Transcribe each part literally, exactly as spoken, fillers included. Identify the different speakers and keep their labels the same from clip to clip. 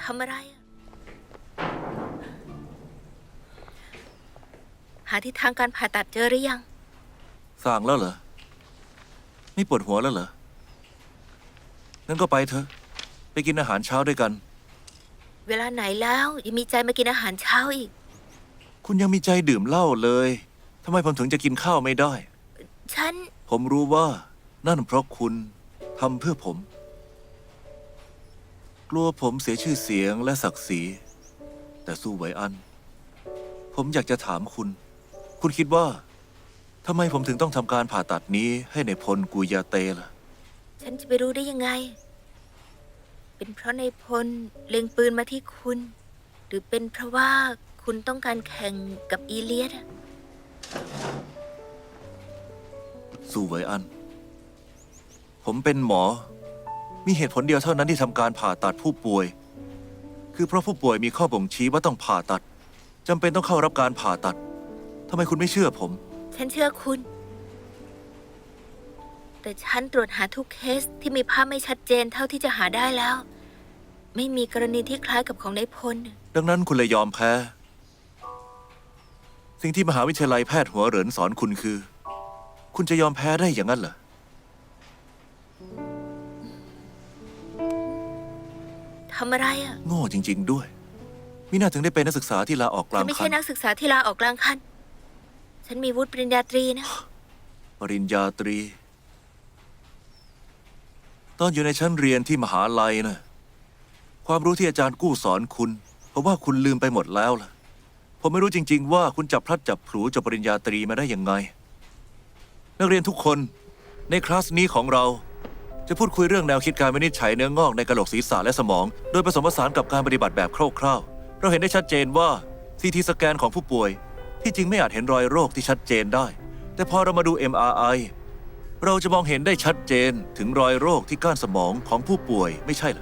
Speaker 1: ำอะไรอะหาทิศทางการผ่าตัดเจอหรือยัง
Speaker 2: สั่งแล้วเหรอไม่ปวดหัวแล้วเหรองั้นก็ไปเถอะไปกินอาหารเช้าด้วยกัน
Speaker 1: เวลาไหนแล้วยังมีใจมากินอาหารเช้าอีก
Speaker 2: คุณยังมีใจดื่มเหล้าเลยทำไมผมถึงจะกินข้าวไม่ได้
Speaker 1: ฉัน
Speaker 2: ผมรู้ว่านั่นเพราะคุณทำเพื่อผม กลัวผมเสียชื่อเสียงและศักดิ์ศรีแต่สู้ไหวอัน ผมอยากจะถามคุณ คุณคิดว่าทำไมผมถึงต้องทำการผ่าตัดนี้ให้ในพลกุยาเตล่ะ
Speaker 1: ฉันจะไปรู้ได้ยังไง เป็นเพราะในพลเล็งปืนมาที่คุณ หรือเป็นเพราะว่าคุณต้องการแข่งกับอีเลียดอะ
Speaker 2: สู้ไหวอัน ผมเป็นหมอ มีเหตุผลเดียวเท่านั้นที่ทำการผ่าตัดผู้ป่วย คือเพราะผู้ป่วยมีข้อบ่งชี้ว่าต้องผ่าตัดจำเป็นต้องเข้ารับการผ่าตัดทำไมคุณไม่เชื่อผม
Speaker 1: ฉันเชื่อคุณ แต่ฉันตรวจหาทุกเคสที่มีภาพไม่ชัดเจนเท่าที่จะหาได้แล้ว ไม่มีกรณีที่คล้ายกับของนายพล
Speaker 2: ดังนั้นคุณเลยยอมแพ้ สิ่งที่มหาวิทยาลัยแพทย์หัวเหรินสอนคุณคือ คุณจะยอมแพ้ได้อย่างนั้นเหรอ
Speaker 1: ทำอะไรอ่ะ
Speaker 2: โง่จริง ๆ ด้วยมิน่าถึงได้เป็นนักศึกษาที่ลาออกก
Speaker 1: ฉั
Speaker 2: ลาน ง
Speaker 1: ไม่
Speaker 2: คั
Speaker 1: ใช่
Speaker 2: น
Speaker 1: นักศึกษาที่ลาออกกลางคัน ฉันมีวุฒิปริญญาตรีนะ
Speaker 2: ปริญญาตรี ตอนอยู่ในชั้นเรียนที่มหาลัยนะความรู้ที่อาจารย์กู้สอนคุณเพราะว่าคุณลืมไปหมดแล้วล่ะ ผมไม่รู้จริง ๆ ว่าคุณจับพลัดจับผลูจบปริญญาตรีมาได้ยังไง นักเรียนทุกคนในคลาสนี้ของเรา จะพูดคุยเรื่องแนวคิดการวินิจฉัยเนื้องอกในกระโหลกศีรษะและสมอง โดยผสมผสานกับการปฏิบัติแบบคร่าวๆ เราเห็นได้ชัดเจนว่าซีทีสแกนของผู้ป่วย ที่จริงไม่อาจเห็นรอยโรคที่ชัดเจนได้ แต่พอเรามาดู เอ็ม อาร์ ไอ เราจะมองเห็นได้ชัดเจนถึงรอยโรคที่ก้านสมองของผู้ป่วยไม่ใช่เหรอ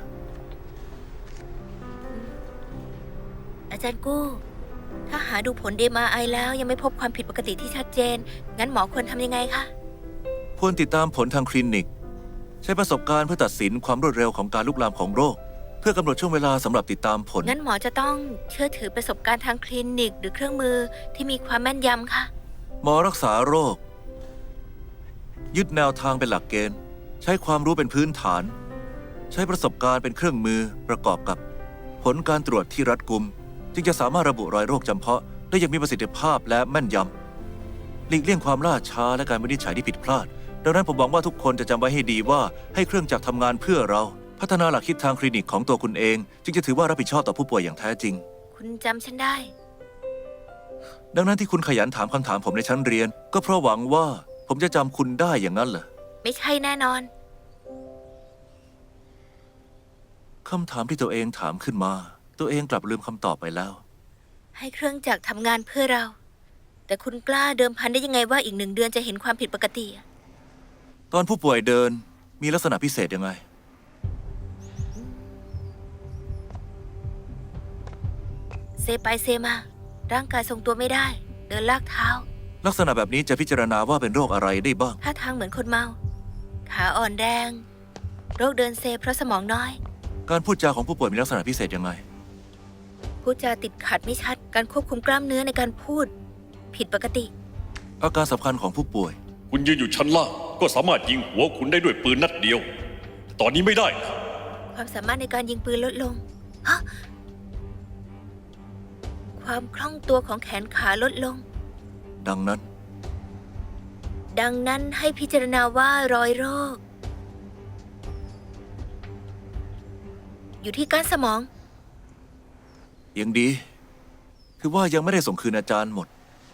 Speaker 1: อาจารย์กู้ ถ้าหาดูผล เอ็ม อาร์ ไอ แล้วยังไม่พบความผิดปกติที่ชัดเจน งั้นหมอควรทำยังไงคะ
Speaker 2: ควรติดตามผลทางคลินิก ใช้ประสบการณ์เพื่อตัดสินความรวดเร็วของการลุกลามของโรค เพื่อกำหนดช่วงเวลาสำหรับติดตามผล
Speaker 1: งั้นหมอจะต้องเชื่อถือประสบการณ์ทางคลินิก หรือเครื่องมือที่มีความแม่นยำคะ
Speaker 2: หมอรักษาโรค ยึดแนวทางเป็นหลักเกณฑ์ ใช้ความรู้เป็นพื้นฐาน ใช้ประสบการณ์เป็นเครื่องมือประกอบกับ ผลการตรวจที่รัดกุม จึงจะสามารถระบุรอยโรคจำเพาะได้อย่างมีประสิทธิภาพและแม่นยำหลีกเลี่ยงความล่าช้าและการวินิจฉัยที่ผิดพลาด ดังนั้นผมหวังว่าทุกคนจะจำไว้ให้ดีว่าให้เครื่องจักรทำงานเพื่อเรา พัฒนาหลักคิดทางคลินิกของตัวคุณเอง จึงจะถือว่ารับผิดชอบต่อผู้ป่วยอย่างแท้จริง
Speaker 1: คุณจำฉันได้
Speaker 2: ดังนั้นที่คุณขยันถามคำถามผมในชั้นเรียน ก็เพราะหวังว่าผมจะจำคุณได้อย่างนั้นเหรอ
Speaker 1: ไม่ใช่แน่นอน
Speaker 2: คำถามที่ตัวเองถามขึ้นมา ตัวเองกลับลืมคำตอบไปแล้ว
Speaker 1: ให้เครื่องจักรทำงานเพื่อเรา แต่คุณกล้าเดิมพันได้ยังไงว่าอีกหนึ่งเดือนจะเห็นความผิดปกติอะ
Speaker 2: ตอนผู้ป่วยเดินมีลักษณะพิเศษยังไง
Speaker 1: เซไปเซมา ร่างกายทรงตัวไม่ได้ เดินลากเท้า
Speaker 2: ลักษณะแบบนี้จะพิจารณาว่าเป็นโรคอะไรได้บ้าง
Speaker 1: ท่าทางเหมือนคนเมา ขาอ่อนแรง โรคเดินเซเพราะสมองน้อย
Speaker 2: การพูดจาของผู้ป่วยมีลักษณะพิเศษยังไง
Speaker 1: พูดจาติดขัดไม่ชัด การควบคุมกล้ามเนื้อในการพูด ผิดปกติ
Speaker 2: อาการสำคัญของผู้ป่วย
Speaker 3: คุณยืนอยู่ชั้นล่างก็สามารถยิงหัวคุณได้ด้วยปืนนัดเดียว ตอนนี้ไม่ได้นะ
Speaker 1: ความสามารถในการยิงปืนลดลงฮะความคล่องตัวของแขนขาลดลง
Speaker 2: ดังนั้น
Speaker 1: ดังนั้นให้พิจารณาว่ารอยโรค อยู่ที่ก้านสมอง
Speaker 2: ยังดี คือว่ายังไม่ได้ส่งคืนอาจารย์หมด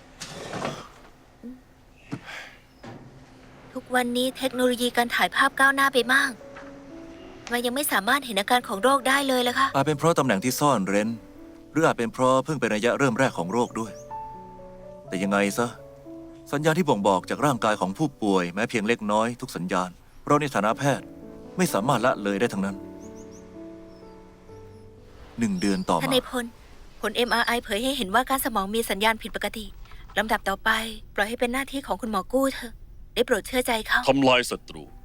Speaker 1: ทุกวันนี้เทคโนโลยีการถ่ายภาพก้าวหน้าไปมากทำไมยังไม่สามารถเห็นอาการของโรคได้เลยล่ะคะ
Speaker 2: อาจเป็นเพราะตำแหน่งที่ซ่อนเร้น หรืออาจเป็นเพราะเพิ่งเป็นระยะเริ่มแรกของโรคด้วย แต่ยังไงซะ สัญญาณที่บ่งบอกจากร่างกายของผู้ป่วยแม้เพียงเล็กน้อยทุกสัญญาณ เราในฐานะแพทย์ไม่สามารถละเลยได้ทั้งนั้น หนึ่งเดือนต่อ
Speaker 1: ท่าน
Speaker 2: มา
Speaker 1: นายพล ผล เอ็ม อาร์ ไอ เผยให้เห็นว่าการสมองมีสัญญาณผิดปกติ ลำดับต่อไป ปล่อยให้เป็นหน้าที่ของคุณหมอกู้เถอะ ได้โปรดเชื่อใจเขา
Speaker 3: ทำลายศัตรู